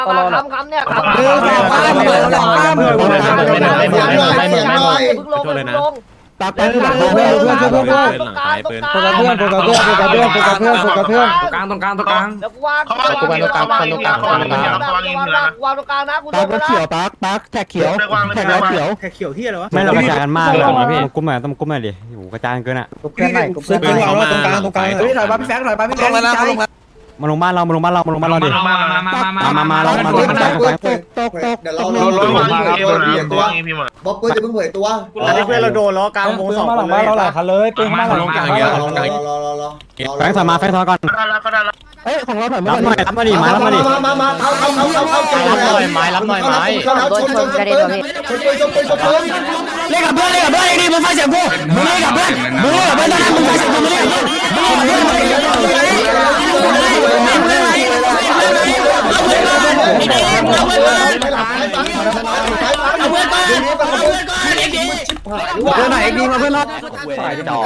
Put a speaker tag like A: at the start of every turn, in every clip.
A: คำเนี่ย
B: ตักไปหลังเพื่อนตรงกลางตรงกลางแล้วกูวางตรงกลางนะกู
C: ตักเขียวตักแท็กเขียวแท็กเขียว
D: แขกเขียวที่อะไรวะ
E: ไม่เรากระจายกันมากเลยนะพี่กุ้มมาต้องกุ้มมาดิโอ้กระจายเกินอ่ะ
B: เพื่อนไหนซื้อปืนวางตรงกลางเฮ้ยถอยมาพี่แฟงถอยมาพี่แฟง
E: มาลงบ้านเราดิมาเรา
B: เดี๋ยวเรา
E: เดี๋ยว
B: บ๊อบปืนจะเพิ่งเผยตัว
D: เพื่อนเราโดนล้อกลางวงสองคนเลยเราหลายคันเลยปืนมาหลังกลางเยอะ
E: แฟงถอยมาก่อนเฮ้ยของเราถอยมารับมาดิมาเข้าเล่นกับเพื่อนดิมึงฟังเสียงกูมึงเล่นกับเพื่อนตอนนั้นมึงฟังเสียงกูมึงเล่นกับเพื่อนไหนดีมาเพื่อนรอดฝ่ายจ่อ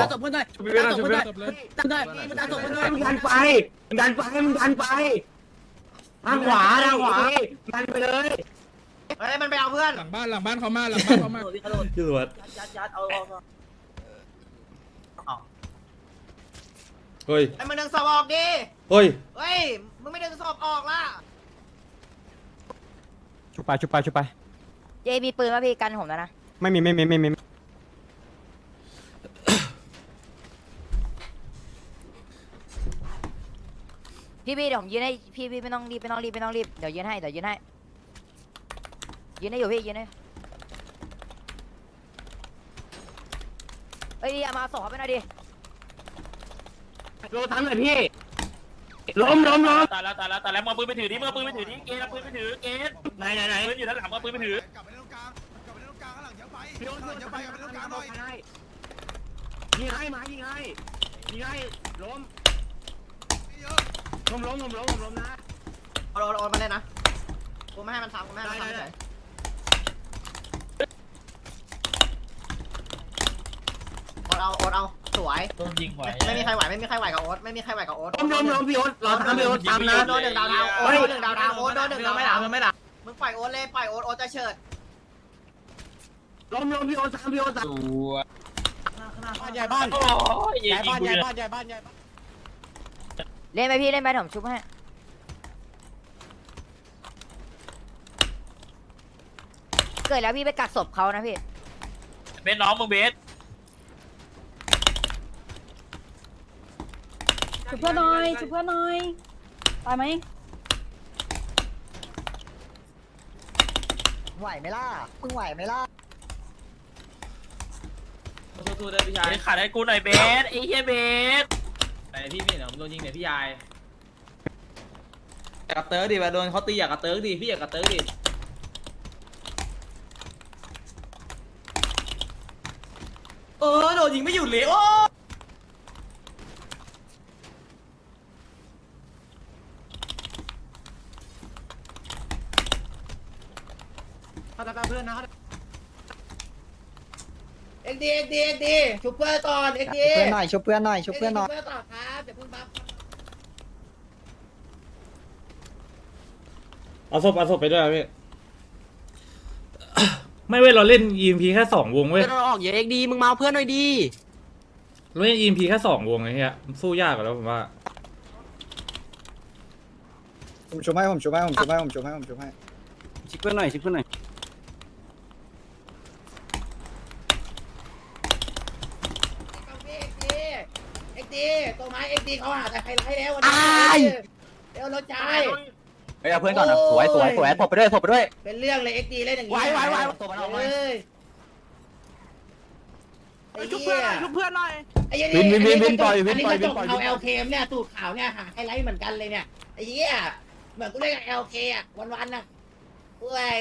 E: ดันไปทางขวาดันไปเลย
A: เฮ้ยมันไปเอาเพื่อน
D: หลังบ้านเขามาตำรวจเฮ้ย
A: ไอ้มึงดึงสอบออกดิ
D: เฮ้ย
A: เฮ้ยมึงไม่ดึงสอบออกล่ะ
E: ชุบไป
F: เจมีปืนมาพี่กันผมแล้วนะ
E: ไม่มี
F: พี่เดี๋ยวผมยืนให้พี่ไม่ต้องรีบเดี๋ยวยืนให้ยืนให้อยู่พี่ยืนให้เอ้ยมาส่งเขาไปหน่อยดิ
E: โดนทันเลยพี่ล้ม
G: ตายแล้วมือปืนไปถือดิเกณฑ์ปืนไปถือเกณฑ์ไหนปืนอยู่ด้านหลังมือปืนไปถือก
B: ลับไปตรงกลางข้างหลังเยอะไปกลับไปตรงกลางหน่อย
E: ยิงให้ล้มนะ
A: โอนมาเล่นนะกูไม่ให้มันทำเฉยโอนเอาสวย
G: ต้องยิงไหว
A: ไม่มีใครไหวกับโอ๊ต
E: พี่โอ๊ตเราทำพี่โอ๊ตตามนะ
A: โดน1 ดาวโอ๊ตโดน1 ดาวโอ๊ตโดน1 ดาวไม่หลับมึงปล่อยโอ๊ตเลยปล่อยโอ๊ตจะเฉิด
E: ล้มพี่โอ๊ตตามพี่โอ๊ต
D: บ้านใหญ่บ้าน
G: โอ้ยยิงกูเลย
F: เล่นไปพี่เล่นไปผมชุบให้เกิดแล้วพี่ไปกักศพเขานะพี่
G: เบสน้องมึงเบส
H: ชุบเพื่อนหน่อยตายไหม
A: ไหวไหมล่ะมึงไหวไหมล่ะ
G: สู้ๆได้พี่ชายขาดให้กูหน่อยเบสไอ้เหี้ยเบสไหนพี่เดี๋ยวโดนยิงเดี๋ยวพี่ยายอยากกระเติร์กดิว่าโดนเขาตีอยากกระเติร์กดิพี่อยากกระเติร์กดิโดนยิงไม่หยุดเลยโอ้
A: เพื่อนนะเอ็กดีชุบเพื่อนก่อนเอ็กดีชุบเพื่อนหน่อยต่อครับเดี๋ยวพึ่งบัฟ
D: เอาศพไปด้วยพี่ไม่เว้ยเราเล่น EMP แค่2 วงเว้ย
C: เราออกอย่าเอ็กดีมึงมาเพื่อนหน่อยดี
D: เราเล่น EMP แค่2 วงไอ้เหี้ยสู้ยากกว่าแล้วผมว่า
B: ผมช่วยให้
C: ชิคเพื่อนหน่อย
A: เอ็กดีตัวไม้เอ็กดีเขาหาแต่ไฮไลท์แล้ววันนี้เดี๋ยวรถใจ
C: เฮ้ยเอาเพื่อนก่อนนะสวยถบไปด้วย
A: เป็นเรื่องเลยเอ็กดีเล่นอย่างนี้ตัวมันออกมาชุบเพื่อนหน่อยวินปล่อยเอาเอลเคมเนี่ยตูดขาวเนี่ยหาไฮไลท์เหมือนกันเลยเนี่ยไอ้เหี้ยเหมือนกูเล่นกับเอลเคอ่ะวันน่ะเว้ย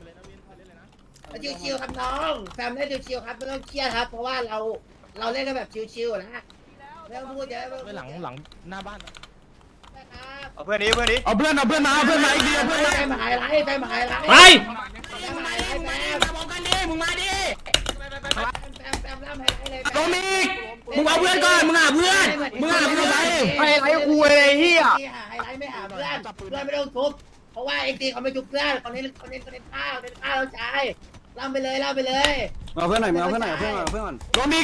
A: ชิวๆครับน้องแฟมเล่นชิวๆครับไม่ต้องเครียดครับเพราะว่าเราเล่นกันแบบชิวๆนะไม่ต้องพูดเยอะ
D: หลังหน้าบ้าน
B: เอาเพื่อนนี้
E: เอาเพื่อนมาอีกที
A: ไปมาไฮไลท์ไป
E: ไป
A: มาไฮไลท์แฟมล่ำไฮไลท์เลย
E: โดมิกมึงเอาเพื่อนก่อนมึงหาเพื่อนไป
A: ไฮไลท์กูเลยเฮียไฮไลท์ไม่หาเพื่อนไม่ต้องทุบผราะว่าไอ้ตีเขาไม่จุกเพื่อนเขาเน้นข้าวเราใช้ล่ำไปเลยเอาเพื่อนหน่อยเอาเพื่อนหน่อย
B: ล้มอีก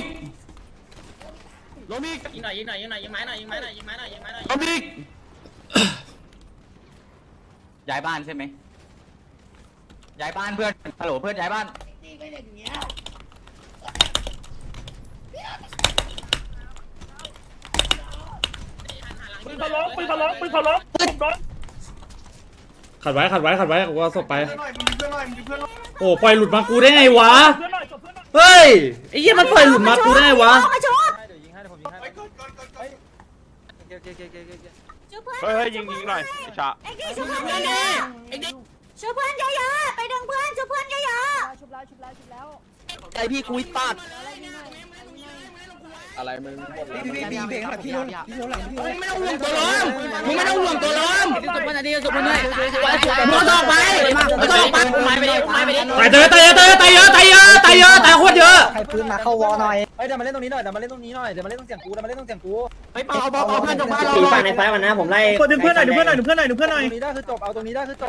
G: ยิงหน่อยยิงไม้หน่อย
B: ล้มอีก
C: ย้ายบ้านใช่ไหมย้ายบ้านเพื่อนฮัลโหลเพื่อนย้ายบ้าน
A: ตีไปอย่างเงี้ย
D: ขัดไว้กูเอาศพไปโอ้ปล่อยหลุดมากูได้ไงวะเฮ้ยไอ้เหี้ยมันปล่อยหลุดมากูได้ไงวะ
B: เฮ้ยยิงหน่อยชา
H: ช่วยเพื่อนเยอะๆไปดึงเพื่อนช่วยเพื่อนเยอะๆชุบแล้ว
C: ใจพี่คุยตัด
E: อะไรมึงหมดเลย
C: พี่เพลงแบบพี่โน้นหลังพี่โน้น
G: มึงไม่ต้องห่วงตัวล้มจบมันดีจบมันเลยมึงต้องไปไม้ไปดิ
D: ตายเยอะตายโคตรเยอะ
C: ใครปืนมาเข้าวอหน่อยเฮ้ยเดี๋ยวมาเล่นตรงนี้หน่อยเดี๋ยวมาเล่นตรงเสียงกูเฮ้ยเปล่าเพื่อนจบบ้านเรา
F: ตีฝั่งในซ้ายก่อนนะผมไล่
D: ดึงเพื่อนหน่อย
C: ตรงนี้ได้คือจบเอาตรงนี้ได้คือจบ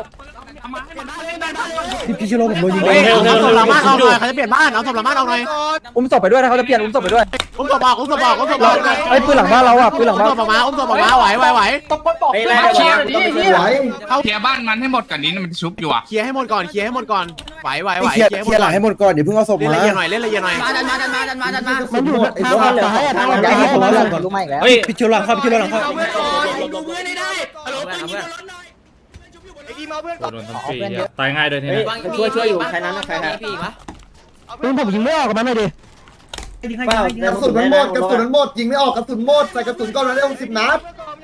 E: พี่ชิโร่ผมโดนยิง
D: เอาศพหลังบ้านเอาหน่อย
E: เขาจะเปลี่ยนบ้านเอาศพหลังบ้านเอาหน่อย
C: อุ้มศพไปด้วยนะเขาจะเปลี่ยนอุ้มศพไปด้วย
E: อุ้มศพออกไอ้ปืนหลังบ้านเราอ่ะปืนหลังบ้านออกมาไหว
F: ไอ้ไล่
C: เคลียร์
I: เข้าเคลียร์บ้านมันให้หมดก่อนนี้มันชุบอยู่อ่ะ
E: เคลียร์ให้หมดก่อนไหวเคลียร์หลังให้หมดก่อนเดี๋ยวเพิ่งเอาศพมาเล่นละเอียดหน่อย
G: ดันมา
E: มันอยู่ทางเหลือทางหลังย้ายให้ผมแล้วก่อนรู้ไหมแล้วพี่ชิโร่หลังเข้า
G: ดูเพื่อนให้ได้ฮัลโหลปืนยิงรถหน่อย
D: โดนทำฟรีตายง่ายด้วยทีนี้
F: ช่วยอยู่ใครนั้นใครนะ
E: ปืนผมยิงไม่ออกกับมันเลยดิ
A: กระสุนมันหมดยิงไม่ออกกระสุนหมดใส่กระสุนก้อนนั้นได้60 นัด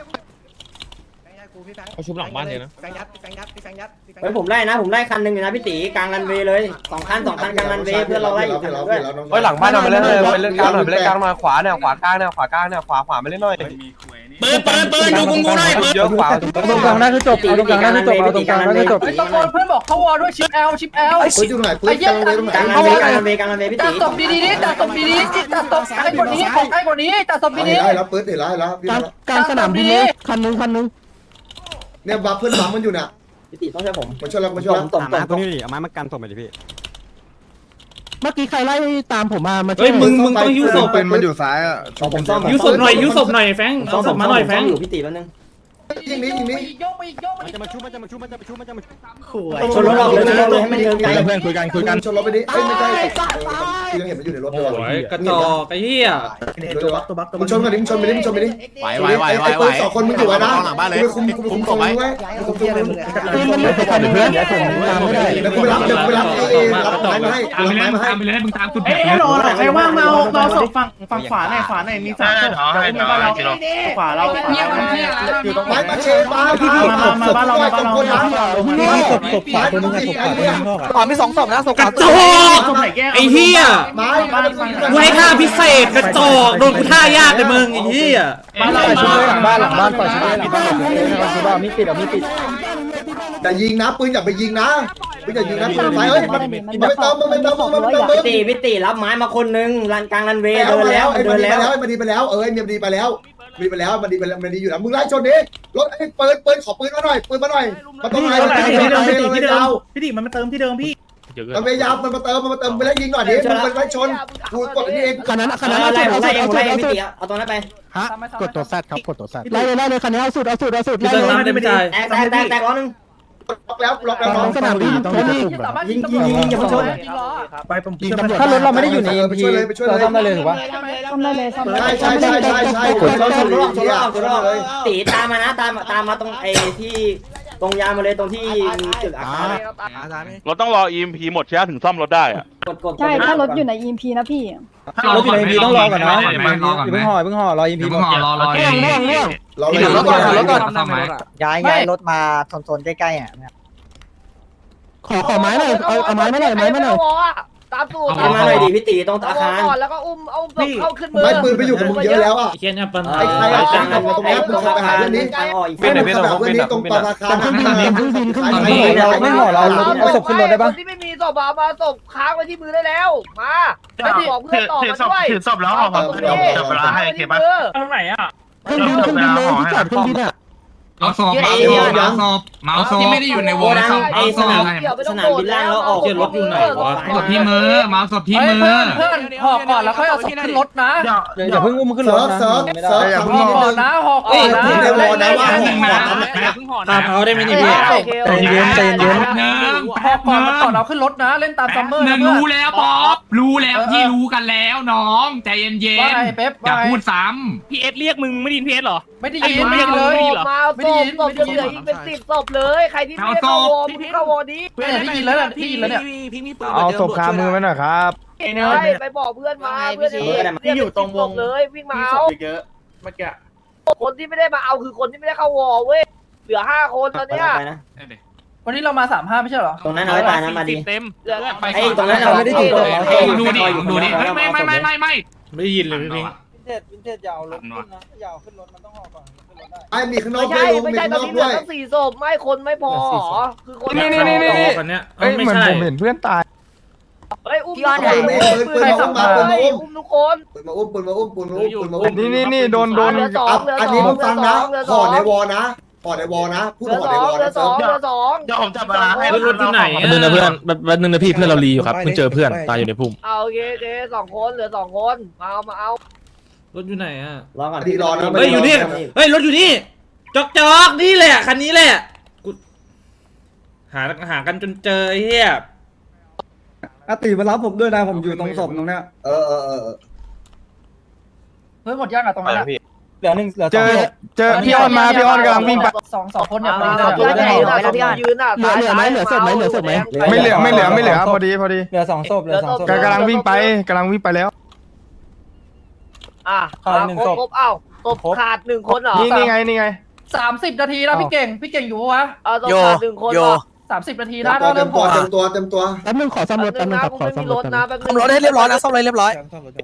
B: เขาชุบหลังบ้านเลยนะ
F: เฮ้ยผมไล่คันหนึ่งอยู่นะพี่ตีกลางรันเวย์เลย2 คันกลางรันเวย์เพื่อนเราไล่อยู่กันด้วย
E: เฮ้ยหลังบ้านเอาไปเล่นเลยไปเล่นกลางหน่อยไปเล่นกลางหน่อยขวาเนี่ยขวากลางเนี่ยขวมาเล่นหน่อย
G: ปืนดูกูหน่อยปืน
E: เยอะขวาตรงกลางได้คือจบเอาตรงกลางได้คือจบเอาตรงกลางได้คือจบ
F: ตะโกนเพื่อนบอกเขาวอด้วยชิปแอล
A: ปืนอยู่ไหนปืนกลางเลยตรงไหน
F: กลางรันเวย์พี่ตี
H: จัดศพดีๆจัดศพดีๆจัดศพใกล้กว่านี้ของใกล้กว่านี้จัดศพดี
A: ได้แล้วปืนเห็นแล้วพี่
E: กลางสนามบินเลยคันนึง
A: เนี่ยบัฟเพื่อนบัฟมันอยู่น่ะ
F: พี่ตีต้องช่วยผม
A: มาช่วยเรามาช่วยเรา
F: ตบ
E: ตรงนี้ดิเอาไม้มากันศพไปดิพี่เมื่อกี้ใครไล่ตามผมมา
D: เฮ้ยมึงต้องยิ้วศพ
A: เป็นมันอยู่ซ้ายอ่ะ
F: ผมซ่อม
D: ยิ้วศพหน่อยแฟงเอาศพมาหน่อยแฟง
F: อยู่พี่ตีแป๊บนึง
A: ยิงนี้
E: มันจะมาชุบ
F: ชนรถออกเลยให้มันเดินไกล
E: เพื่อนคุยกัน
A: ชนรถไปดิเอ้ยไม่ใช่ยังเห็นมันอยู่ในรถเลย
D: โอ้ยกระจอกไอ้เหี้ย
A: มึงชนกันดิมึงชนไปดิไอ้ปืน2 คนมึงอยู่ไว้นะกูคุมตรงไว้กูคุมตรงมึง
E: เพื่อนเดี๋ยวผมตามไม่ได้
A: เดี๋ยวกูไปรับรับไม้มาให้รับไม้มาให้
I: ไปเลยมึงตามคุณ
D: ใครว่างมาเอาศพฝั่งขวาหน่อยมี3ศพขวาเรา
A: อยู่ตรงไม้มาเชฟบ้านมาบ้านเราตรงคนนั้น
E: ศพขวาตัวนึงศพขวาตัวนึงนอกอ่ะ
C: ขวามี2ศพนะศพ
D: กระจอกไอ้เหี้ย
A: ไม้
D: กูให้ท่าพิเศษกระจอกโดนกูท่ายากเลยมึงไอ้เหี้ย
E: ชุบเลยหลังบ้านปล่อยชุบเลยหลังบ้านมีปิดมีปิด
A: แต่ยิงนะปืนอย่าไปยิงนะปืนอย่ายิงนะปืนไฟเฮ้ยมันไม่เติม
F: พี่ตีรับไม้มาคนนึงรันกลางรันเวย์เดินแล้ว
A: มันดีไปแล้วมันดีไปแล้วมันดีอยู่แล้วมึงไล่ชนดิรถไอ้ปืนขอปืนมาหน่อยมาตรงไหน
D: พี่ตีมันมาเติมที่เดิมพี่
A: มันพยายามมันมาเติมไปแล้วยิงหน่อยดิมึงไปไล่ชนกูกดนี่เอง
E: คันนั้น
F: ไล่พี่ตีเอาตรงนั้นไป
E: ฮะกดตัวแซดครับกดตัวแซดไล่เลยคันนี้เอาสุด
D: พี่เติมน้ำได้ไม่จ่าย
F: แตกล้อนึง
A: ล็อกแล้วน้อง
E: สนามบินต้องมีกลุ่มแบบ
F: ยิงอย่ามาชน
D: ไปผม
E: ยิงตำรวจ
C: ถ้ารถเราไม่ได้อยู่ใน
A: ไปช่วยเลยเรา
C: ซ่อมได้เลยถูกปะ
H: ซ่อมได้เลยซ่อมได้
A: ใช่เราชนเลย
F: ตีตามมานะตามมาตรงไอ้ที่ตรงยามมาเลยตรงที่มีตึกอาคาร
B: เราต้องรอ EMP หมดใช่ไหมถึงซ่อมรถได้อะ
F: กด
H: ใช่ถ้ารถอยู่ใน EMP นะพี่
C: รถอยู่ใน EMP ต้องรอก่อนนะอย่าเพิ่งห่อรอ EMP
I: รอ
A: เราเลยรถก่อน
C: ย้ายรถมาโซนใกล้ๆอ่ะ
E: ขอไม้หน่อยเอาไม้มาหน่อย
F: ตามสูตรมาหน่อยดิพี่ตีตรงอาคาร
H: แล้วก็อุ้มเอาเข้าขึ้นมือ
A: ไม้ปืนไปอยู่กับมึงเยอะแล้วอ่ะ
D: เขียนเนี่ยปัญหา
A: ไอ้ใครเอาตังค์มาตรงนี้มึงไปหาเรื่องนี้ เป็นแบบเรื่องนี้ตรงปราคาเครื่องบิน
C: ไม่ห่อเราเอาศพขึ้นรถได้ปะ
H: ที่ไม่มีศพมาศพค้างไว้ที่มือได้แล้วมาไม่บอกเพื่อนต่อมาด้วย
I: ถือศพแล้วห่อจับเวลาให้เคปะ
D: ตรงไหนอ่ะ
E: เครื่องบินเลยที่จอดเครื่องบินอ่ะ
I: เอาศพเมาศพที่ไม่ได้อยู่ในวงศพเอาศพ
C: สนามบินล่างเราออก
D: เจอรถอยู่ไหนวะ
I: ศพที่มือเมาศพที่มือ
C: เพื่อนห่อก่อนแล้วค่อยเอาศพขึ้นรถนะอย่าเพิ่งอุ้มขึ้นรถนะ
E: อย่าเพิ่ง
C: ห่อก่อนนะห่อก่อนนะ
E: ในวอลนะว่า
I: หนึ่งนะ
D: ตาเท้าได้ไหมนี่พี่
E: ใจเย็นใจเย็น
I: หนึ่ง
C: ห่อก่อนแล้วก่อนเอาขึ้นรถนะเล่นตามซัมเมอร์
I: หนึ่งรู้แล้วป๊อปรู้แล้วที่รู้กันแล้วน้องใจเย็น
C: ว่าไงเป๊ป
I: ๆอย่าพูดซ้
G: พีเอสเรียกมึงไม่ได้ยินพีเอสหรอ
C: ไม่ได้ยินไม่ได้ยินเลย
G: มา
C: ไม่ได้ยินไม่ได้ยิน
G: อีกเป็น10ศพเลยใครที่ไม่ได้เข้าวอมึงเข้าวอนี้
C: เพื่อนได้ยินแล้วเนี่ยได้ยินแล้วเนี่ย
E: เอาศพคามือไว้หน่อยครับ
G: ไปบอกเพื่อนมาเพื่อนที่อยู่ตรงวงเลยวิ่งมาเอา
C: เยอะเมื่อกี้
G: คนที่ไม่ได้มาเอาคือคนที่ไม่ได้เข้าวอเว้ยเหลือ5คนตอนเนี้ย
I: ำ
C: วันนี้เรามา35ไม่ใช่เหรอ
A: ตรงนั้นเอาไว้ตายนะมาดี
G: เต็มเหลือ
A: ไอ้ตรงนั้นเราไม่ได้ถึงตรง
I: ดูดิเฮ้ยไม่
D: ไม่ได้ยินเลยพี่พิง
C: วินเทจยาวรถขึ้นนะยาวขึ้นรถมันต้องห่อก่อนขึ้นรถได้
E: ไอ้มีข้างนอก
G: ไม่ใช่ตอนนี้เหลือตั้ง4ศพไม่คนไม่พอคือคน
D: นี่คนเนี้ย
E: เอ้ย
D: ไม่
E: เหมือน
D: ใช่
E: ผมเห็นเพื่อนตาย
G: เฮ้ยอุ้มทุกคนอุ้มทุกคน
E: ปืนมาอุ้มปืนมาอุ้มปืนมาอุ้มปืนมาอุ้มนี่โดน
G: เหลือ2
E: อันนี้มึงฟังนะห่อในวอนะห่อในวอนะพูด
G: เหลือ
E: ห่อในวอ
G: 2เหลื
E: นะ
G: อ2
C: เดี๋ยวผมจับเวลาให้
D: รถอยู่ไหน
B: แป๊บนึงนะเพื่อนแป๊บนึงนะพี่เพื่อนเรารีอยู่ครับเพิ่งเจอเพื่อนตายอยู่ในพุ่ม
G: เอาโอเค2คนเหลือ2คนมาเอา
D: รถอยู่ไหนอ่ะ
A: รอก่อน
E: ดีรอนะ
D: เฮ้ยอยู่นี่เฮ้ยรถอยู่นี่จอกนี่แหละคันนี้แหละกูหากันจนเจอไอ้เหี้ย
E: อาติมารับผมด้วยนะผมอยู่ตรงศพตรงเนี้ยเออ
C: เฮ้ยหมดย่างอะตรงนั้นเหลือ1เหลือ2
E: เจอพี่ออนมาพี่ออนกำลังวิ่งไป
C: 2คนเนี่ย
G: ยืนอ่ะ
E: เหลือไหมไม่เหลือพอดีเหลือ2ศพกำลังวิ่งไปแล้ว
G: อ่ะครบเอ้าตบขาด1คนเหรอ
E: นี่ไง
C: 30นาทีแล้วพี่เก่งอยู่ปะวะ
G: เอาตบขาด1คนเหรอ
C: 30นาทีแล้วเริ่มห่อ
E: เต็มตัว
B: แป๊บนึงขอซ่อมรถแป๊บนึงครับขอซ่อมรถ
G: นะแป๊บนึง
C: ซ่อมรถให้เรียบร้อยนะซ่อมอะไรเรียบร้อย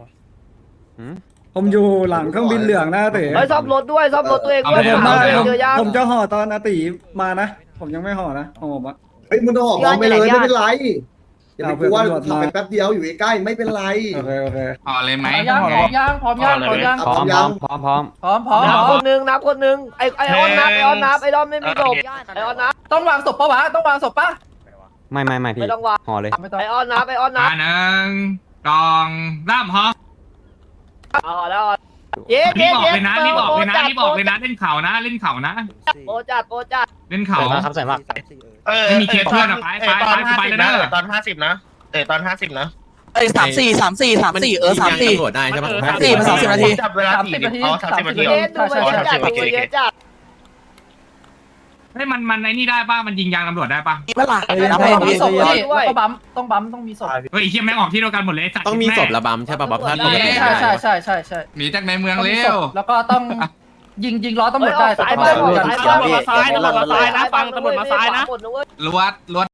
E: ผมอยู่หลังเครื่องบินเหลืองนะเต๋
G: เฮ้ยซ่อมรถด้วยซ่อมรถตัวเองด้วยเจอยา
E: ผมจะห่อตอนอาติมานะผมยังไม่ห่อนะห่อผมอะเฮ้ยมึงต้องห่อพร้อมไปเลยไม่เป็นไรอย่าไปกลัวขับไปแป๊บเดียวอยู่ใกล้ไม่เป็นไรโอเค
I: ห่อเลยไหม
C: พร้อมย่าง
E: พร้อมยัง
G: นับคนนึงไอออนนับไอออนไม่มีศพไอออนนับ
C: ต้องวางศพปะวะต้องวางศพปะ
E: ไม่พี่
G: ไม่ต้องวาง
E: ห่อเลย
C: ไม่ต้อง
G: ไอออนนับ
I: 1 2 3ห่อ
G: อ๋อแล้วเย้
I: รีบออกเลยนะเล่นเข่านะเล่นเข่า
G: โปจัด
I: เล่นเข่า
E: ครับใส่มาก
I: ไม่มีเคสเพื่อนอะไปเลยนะ
C: ตอน50นะตอน50นะ
G: 34
B: ตำรวจได้ใช่ปะ
G: มัน30 นาที
C: จับเวลา30นาที30นาที
G: เย้ดูมันเยอะจัด
I: ให้มันไอ้นี่ได้ป่ะมันยิงยางตำรวจได้ป่ะ
C: มีศพด้วยแล้วก็บัมต้องมีศพ
I: เฮ้ยเฮียแม่งออกที่เดียวกันหมดเลย
B: ต้องมีศพระบำใช่ปะบัฟพลาดปกติ
C: ใช่
I: หนีจากในเมืองเร็ว
C: แล้วก็ต้องยิงล้อตำรวจได้
G: ซ้าย
C: ตำรวจ
G: ซ้ายนะฟังตำรวจมาซ้ายนะ
I: ลวด